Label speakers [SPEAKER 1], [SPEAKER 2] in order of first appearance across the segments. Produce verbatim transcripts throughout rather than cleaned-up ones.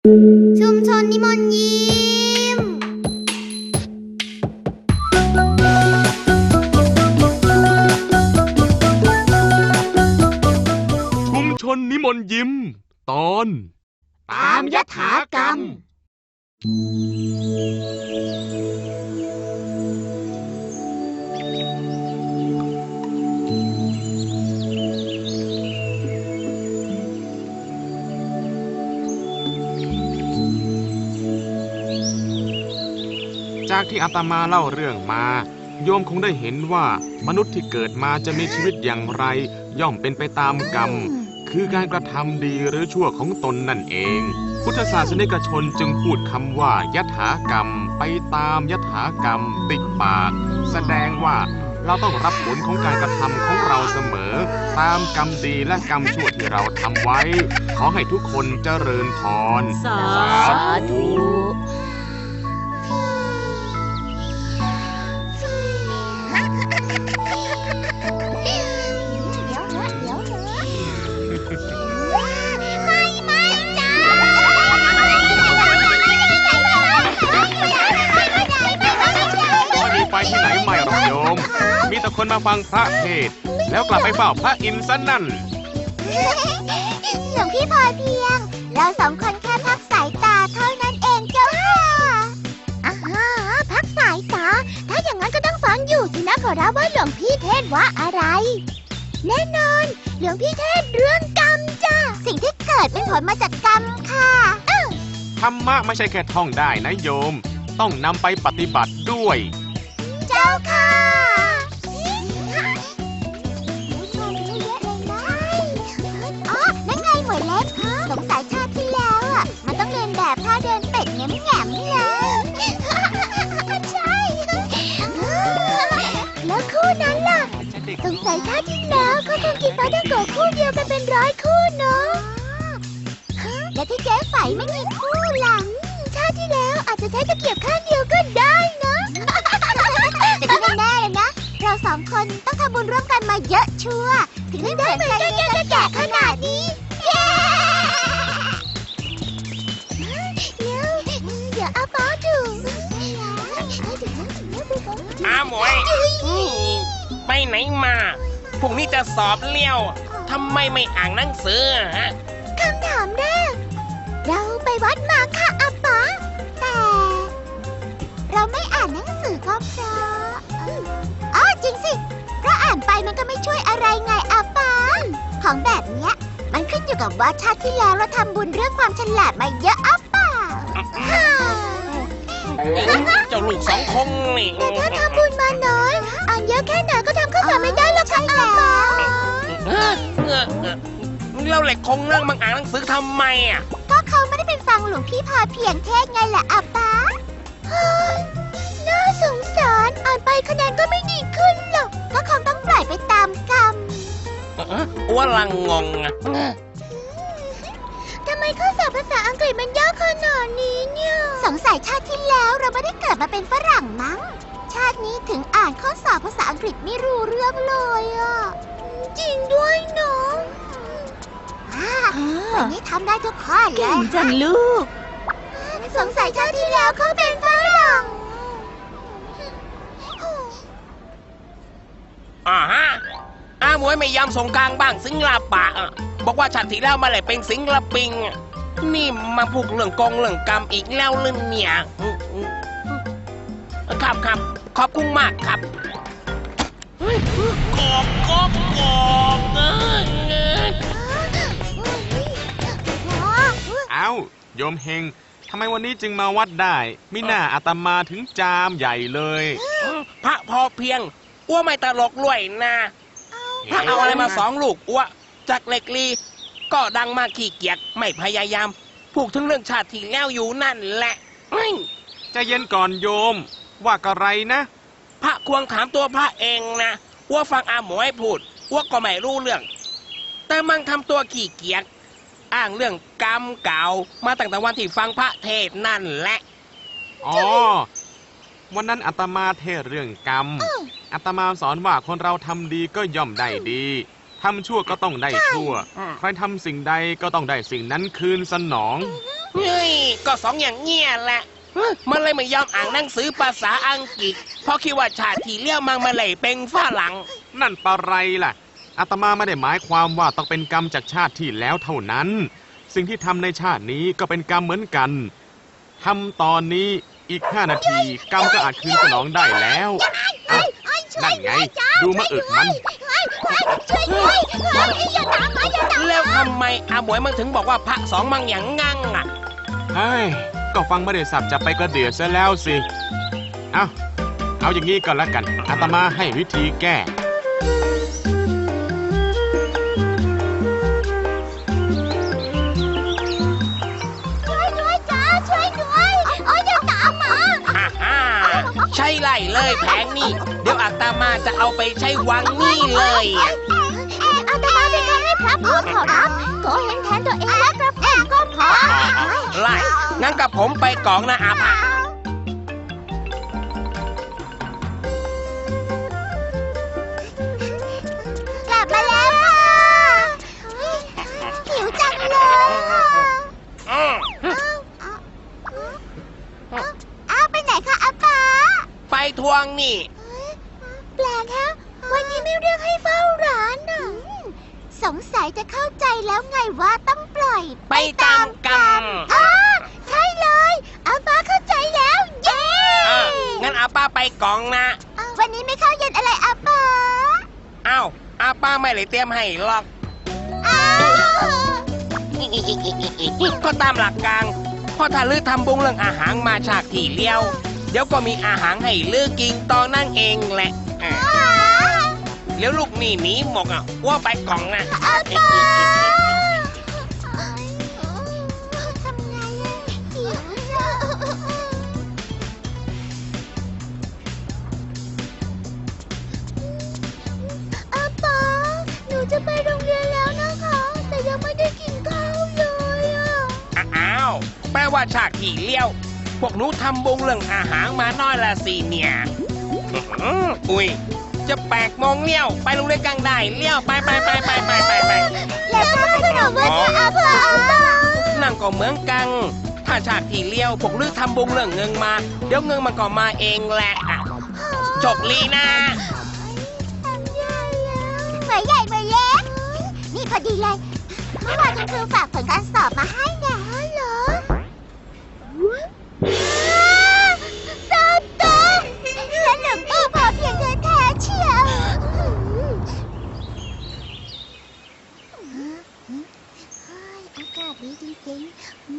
[SPEAKER 1] ชุมชนนิมนต์ยิ้ม
[SPEAKER 2] ชุมชนนิมนต์ยิ้มตอน
[SPEAKER 1] ตามยถากรรม
[SPEAKER 2] จากที่อาตมาเล่าเรื่องมาโยมคงได้เห็นว่ามนุษย์ที่เกิดมาจะมีชีวิตอย่างไรย่อมเป็นไปตามกรรมคือการกระทำดีหรือชั่วของตนนั่นเองพุทธศาสนิกชนจึงพูดคำว่ายถากรรมไปตามยถากรรมติดปากแสดงว่าเราต้องรับผลของการกระทำของเราเสมอตามกรรมดีและกรรมชั่วที่เราทำไว้ขอให้ทุกคนเจริญพร
[SPEAKER 3] สาธุ
[SPEAKER 2] ไปที่ไหนไม่หรอกโยมมีแต่คนมาฟังพระเทศน์แล้วกลับไปเฝ้าพระอินทร์ซะนั่น
[SPEAKER 1] หลวงพี่พอเพียงเราสองคนแค่พักสายตาเท่านั้นเองเจ้าค่ะอ่าฮะพักสายตาถ้าอย่างนั้นก็ต้องฟังอยู่สินะขอรับว่าหลวงพี่เทศว่าอะไรแน่นอนหลวงพี่เทศเรื่องกรรมจ้ะสิ่งที่เกิดเป็นผลมาจากกรรมค่ะ
[SPEAKER 2] ธรรมะไม่ใช่แค่ท่องได้นะโยมต้องนำไปปฏิบัติด้วย
[SPEAKER 1] เจ้าค่ะอ๋อนั่นไงหมวยเล็กสงสัยชาติที่แล้วอ่ะมันต้องเรียนแบบท่าเดินเป็ดแง่มๆเลยใช่แล้วคู่นั้นล่ะสงสัยชาติที่แล้วเขาคงกินปลาท่องโกะคู่เดียวกันเป็นร้อยคู่เนาะและที่เจ๊ไฝไม่มีคู่หลังชาติที่แล้วอาจจะใช้ตะเกียบข้างเดียวก็ได้นะแต่ที่แน่ๆเลยนะเราสองคนต้องทำบุญร่วมกันมาเยอะชัวร์ถึงได้เหมือนกันจะแก่ขนาดนี้เดี๋ยวเดี๋ยวอาป้าดู
[SPEAKER 4] อาหมวยไปไหนมาพรุ่งนี้จะสอบเลี้ยวทำไมไม่อ่านหนังสือฮะ
[SPEAKER 1] คำถามแรกเราไปวัดมาค่ะอาป้าแต่เราไม่อ่านหนังสือก็เพราะอ๋อจริงสิเพราะอ่านไปมันก็ไม่ช่วยอะไรไงอาป้าของแบบเนี้ยมันขึ้นอยู่กับว่าชาติที่แล้วเราทำบุญเรื่องความฉลาดมาเยอะอาป้า
[SPEAKER 4] เจ้าลูกสองคงนี่
[SPEAKER 1] แต่ถ้าทำบุญมาน้อยอ่านเยอะแค่ไหนก็ทำข้อสอบไม่ได้หรอกค่ะอาป้า
[SPEAKER 4] เราเหล็กคงนั่งมังอ่านหนังสือทำไมอ่ะ
[SPEAKER 1] ก็เขาไม่ได้เป็นฟังหลวงพี่พาเพียงเทศไงแหละอาป้าน่าสงสารอ่านไปคะแนนก็ไม่ดีขึ้นหรอกก็คงต้องปล่อยไปตามกรรม
[SPEAKER 4] ว่าลังงงอ่ะ
[SPEAKER 1] ทำไมข้อสอบภาษาอังกฤษมันยากขนาดนี้เนี่ยสงสัยชาติที่แล้วเราไม่ได้เกิดมาเป็นฝรั่งมั้งชาตินี้ถึงอ่านข้อสอบภาษาอังกฤษไม่รู้เรื่องเลยอ่ะจริงด้วยเนาะวันนี้ทำได้ทุกข้อเลย
[SPEAKER 3] เก่งจังลูก
[SPEAKER 1] สงสัยชาติที่แล้วเขาเป็นฝรั่ง
[SPEAKER 4] อ่าฮะอาหมวยไม่ยอมส่งกลางบ้างสิงลาปะบอกว่าชาติที่แล้วมาเลยเป็นสิงลาปิงนี่มาพูดเรื่องกองเรื่องกรรมอีกแล้วลืมเนี่ยครับครับขอบคุณมากครับกอบกอบกอบ
[SPEAKER 2] เอาโยมเฮงทำไมวันนี้จึงมาวัดได้มิน่าอาตมาถึงจามใหญ่เลย
[SPEAKER 4] พระพอเพียงอ้วไม่ตลกรวยนะพระเอาอะไรมาสองลูกอ้วจากเล็กลีก็ดังมากขี้เกียจไม่พยายามพูดถึงเรื่องชาติที่แล้วอยู่นั่นแหละ
[SPEAKER 2] จะเย็นก่อนโยมว่ากะไรนะ
[SPEAKER 4] พระควงถามตัวพระเองนะอ้วฟังอาหมวยพูดอ้วก็ไม่รู้เรื่องแต่มันทำตัวขี้เกียจอ้างเรื่องกรรมเก่ามาตั้งแต่วันที่ฟังพระเทศนั่นแหละ
[SPEAKER 2] อ๋อวันนั้นอาตมาเทศเรื่องกรรมอาตมาสอนว่าคนเราทำดีก็ย่อมได้ดีทำชั่วก็ต้องได้ชั่ว ใครทำสิ่งใดก็ต้องได้สิ่งนั้นคืนสนอง
[SPEAKER 4] เฮ้ยก็สองอย่างเงี้ยแหละมันเลยไม่ยอมอ่านหนังสือภาษาอังกฤษเพราะคิดว่าชาติที่เลี้ยวมังมาเลยเป็นฝรั่ง
[SPEAKER 2] นั่นปะไรล่ะอาตมาไม่ได้หมายความว่าต้องเป็นกรรมจากชาติที่แล้วเท่านั้น สิ่งที่ทำในชาตินี้ก็เป็นกรรมเหมือนกันทำตอนนี้อีกห้านาทีกรรมก็อาจคืนสนองได้แล้วอ่ะนั่นไง ดูมะอึกมัน
[SPEAKER 1] ช่วยด้วยอย่าตามมาอย่าตาม
[SPEAKER 4] แล้วทำไมอาหมวยมันถึงบอกว่าพระสองมังอย่างงั่งอ่ะ
[SPEAKER 2] เฮ้ย ก็ฟังไม่ได้สับจะไปกระเดียดซะแล้วสิ เอาเอาอย่างนี้ก็แล้วกัน อาตมาให้วิธีแก้
[SPEAKER 1] ช่วยด้วยจ้าช่วยด้วยโอ้ยอย่าตามมา
[SPEAKER 4] ฮ่าฮ่าใช่ไล่เลยแผงนี่ เดี๋ยวอาตมาจะเอาไปใช้วังนี่เลยอะ
[SPEAKER 1] อาตมาเป็นการให้พระพูดขอรับขอเห็นแทนตัวเองและกระผมก็พอ
[SPEAKER 4] ไล่งั้นกับผมไปกองนะอาภะ
[SPEAKER 1] กลับมาแล้วค่ะหิวจังเลยค่ะ
[SPEAKER 4] อืม
[SPEAKER 1] อ้าวไปไหนคะอาป๋า
[SPEAKER 4] ไปทวงนี่
[SPEAKER 1] แปลกฮะวันนี้ไม่เรียกให้เฝ้าร้านน่ะสงสัยจะเข้าใจแล้วไงว่าต้องปล่อย
[SPEAKER 4] ไปตามกรรม
[SPEAKER 1] อ๋อใช่เลยอาป๋าเข้าใจแล้ว เย้
[SPEAKER 4] อ่ะงั้นอาป้าไปกองนะ
[SPEAKER 1] วันนี้ไม่เข้าเย็นอะไรอาป๋า
[SPEAKER 4] อ้าวอาป้าไม่เลยเตรียมให้หรอก
[SPEAKER 1] อ้าว
[SPEAKER 4] ก็ตามหลักการพอถ้าลือทำบุงเรื่องอาหารมาฉากที่เลี้ยว เดี๋ยวก็มีอาหารให้ลือกินตอนนั่นเองแหละอ่ะเดี๋ยวลูกนี่หนีหมกอ่ะว่าไปกล่องนะ
[SPEAKER 1] อาป๋าทำไงอะหิวอะอาป๋าหนูจะไปโรงเรียนแล้วนะคะ แต่ยังไม่ได้กินข้าวเลยอะ
[SPEAKER 4] อ้าวแปลว่าฉากที่เลี้ยว พวกหนูทำบุงเรื่องอาหารมาน้อยละสิเนี่ยอื้อหืออุ้ยจะแปลกโมงเลี้ยวไปโรงเรียนกลางได้เลี้ยวไปไปไปไปไปไปไป
[SPEAKER 1] แล้วก็ขนมวันนี้อาป๋า
[SPEAKER 4] นั่นก็เหมือนกัน ถ้าฉากที่เลี้ยวพวกลือทำบุงเรื่องเงินมา เดี๋ยวเงินมันก็มาเองแหละอ่ะโชคลีนะ
[SPEAKER 1] ทำใหญ่แล้วเหมือนใหญ่เหมือนเล็กนี่พอดีเลยเมื่อวานคุณครูฝากผลการสอบมาให้นะเหรอตาตาสนุกดีพอเพียงแท้ๆเชียวอากาศดีจริงๆ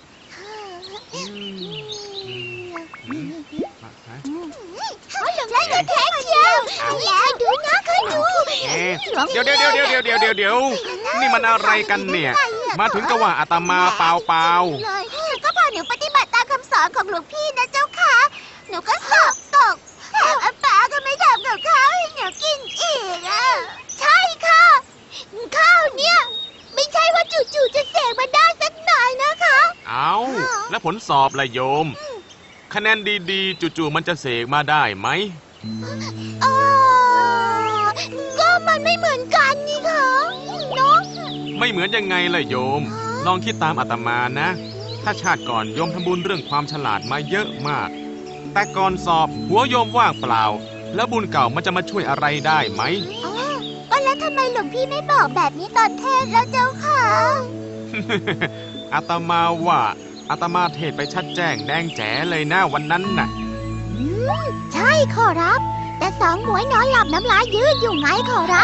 [SPEAKER 1] เขาหลงรักหนูแท้เชียวแล้วดูนะเขาดู
[SPEAKER 2] เอ๊ะเดี๋ยวเดี๋ยวเดี๋ยวเดี๋ยวเดี๋ยวเดี๋ยวเดี๋ยวนี่มันอะไรกันเนี่ย มาถึงก็ว่าอาตมาเปล่าเปล่า
[SPEAKER 1] เลยก็พอหนูปฏิบัติตามคำสอนของหลวงพี่นะเจ้าค่ะ หนูก็สอบตกแถมอาป๋าก็ไม่ทำกับข้าวให้หนูกินอีกอ่ะใช่ค่ะข้าวเนี่ยไม่ใช่ว่าจู่ๆจะเสกมาได้สักหน่อยนะคะ
[SPEAKER 2] เอาแล้วผลสอบล่ะโยม คะแนนดีๆจู่ๆมันจะเสกมาได้ไหม
[SPEAKER 1] เออก็มันไม่เหมือนกันนี่ค่ะเนาะ
[SPEAKER 2] ไม่เหมือนยังไงล่ะโยม ลองคิดตามอาตมานะ ถ้าชาติก่อนโยมทำบุญเรื่องความฉลาดมาเยอะมาก แต่ก่อนสอบหัวโยมว่างเปล่า แล้วบุญเก่ามันจะมาช่วยอะไรได้ไหม
[SPEAKER 1] อ๋อว่าแล้วทำไมหลวงพี่ไม่บอกแบบนี้ตอนเทศน์แล้วเจ้าค่ะ
[SPEAKER 2] อาตมาว่าอาตมาเทศไปชัดแจ้งแดงแจ๋เลยนะวันนั้นน่ะ
[SPEAKER 1] อืมใช่ขอรับ แต่สองหมวยนอนหลับน้ำลายยืดอยู่ไงขอรับ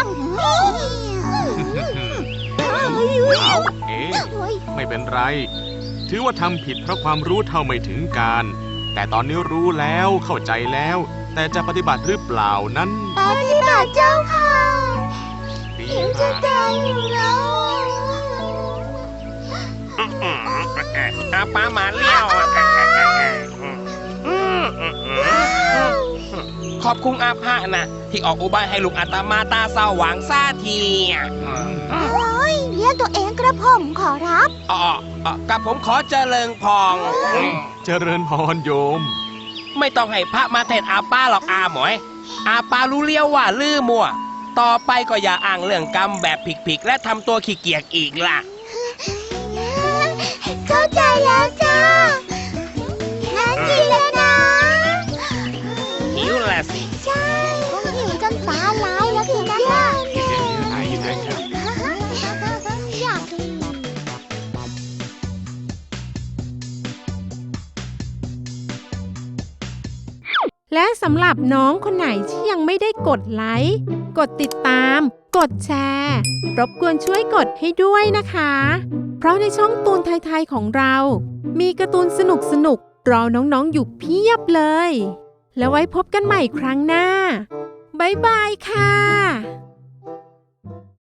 [SPEAKER 2] เอาเอ๊ะไม่เป็นไร ถือว่าทำผิดเพราะความรู้เท่าไม่ถึงการ แต่ตอนนี้รู้แล้วเข้าใจแล้ว แต่จะปฏิบัติหรือเปล่านั้น
[SPEAKER 1] ปฏิบัติเจ้าค่ะ
[SPEAKER 2] ดี
[SPEAKER 1] หิวจะ
[SPEAKER 2] มาก
[SPEAKER 1] ตายอยู่แล้ว
[SPEAKER 4] อาป้ามาเลี้ยวอ่ะขอบคุณอาภานะที่ออกอุบายให้ลูกอาตมาตาสว่างซาทีอ่ะ
[SPEAKER 1] โอ้ยเรียกตัวเองกระผมขอรับ
[SPEAKER 4] อ๋ออ๋อกับผมขอเจริญพร
[SPEAKER 2] เจริญพรโยม
[SPEAKER 4] ไม่ต้องให้พระมาเทศอาป้าหรอกอาหมวย อาป้ารู้เลี้ยวว่าลือมัวต่อไปก็อย่าอ้างเรื่องกรรมแบบผิกๆและทำตัวขี้เกียจอีกล่ะ
[SPEAKER 1] เข้าใจแล้วจ้างั้นกินเลยนะ
[SPEAKER 4] หิวละสิ
[SPEAKER 1] ใช่คงหิวจนตาลายแล้วสินะล่ะ
[SPEAKER 2] กินเยอะๆนะกินเยอะ
[SPEAKER 1] อยากกิน
[SPEAKER 5] และสำหรับน้องคนไหนที่ยังไม่ได้กดไลค์ กดติดตาม กดแชร์ รบกวนช่วยกดให้ด้วยนะคะ เพราะในช่องตูนไทยๆของเรา มีการ์ตูนสนุกๆ รอน้องๆอยู่เพียบเลย แล้วไว้พบกันใหม่ครั้งหน้า บ๊ายบายค่ะ